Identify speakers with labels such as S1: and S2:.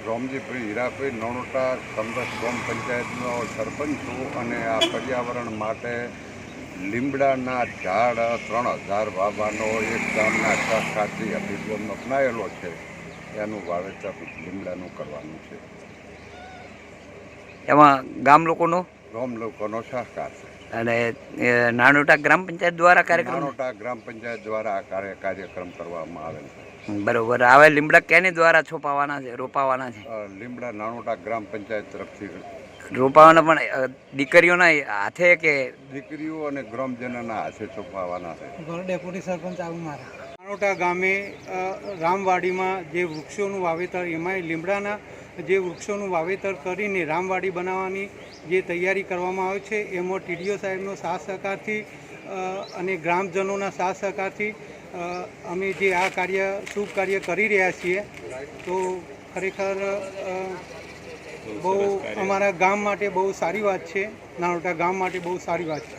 S1: રોમજીભાઈ હીરાભાઈ નાનોટા સમરસ ગ્રામ પંચાયતનો સરપંચ છું અને આ પર્યાવરણ માટે લીમડાના ઝાડ 3000 વાવવાનો એક ગામના સહકારથી અભિગમ અપનાવેલો છે. એનું વાવેતર લીમડાનું કરવાનું છે.
S2: એમાં ગામ લોકોનો
S1: લોકોનો સહકાર છે
S2: અને નાનોટા ગ્રામ પંચાયત દ્વારા કાર્યક્રમ
S1: નાનોટા ગ્રામ પંચાયત દ્વારા આ કાર્યક્રમ કરવામાં આવેલ છે.
S2: બરોબર. હવે લીમડા કેની દ્વારા છોપાવાના છે, રોપાવાના છે?
S1: લીમડા નાનોટા ગ્રામ પંચાયત તરફથી
S2: રોપાવાના, પણ દીકરીઓના હાથે કે
S1: દીકરીઓ અને ગ્રામજનોના હાથે છોપાવાના છે.
S3: ડેપ્યુટી સરપંચ નાનોટા ગામે રામવાડીમાં જે વૃક્ષોનું વાવેતર, એમાંય લીમડાના જે વૃક્ષોનું વાવેતર કરીને રામવાડી બનાવવાની જે તૈયારી કરવામાં આવે છે, એમાં ટીડીઓ સાહેબનો સાથ સહકારથી અને ગ્રામજનોના સાથ સહકારથી અમે જે આ શુભ કાર્ય કરી રહ્યા છીએ. તો ખરેખર બહુ અમારા ગામ માટે બહુ સારી વાત છે. નાનોટા ગામ માટે બહુ સારી વાત છે.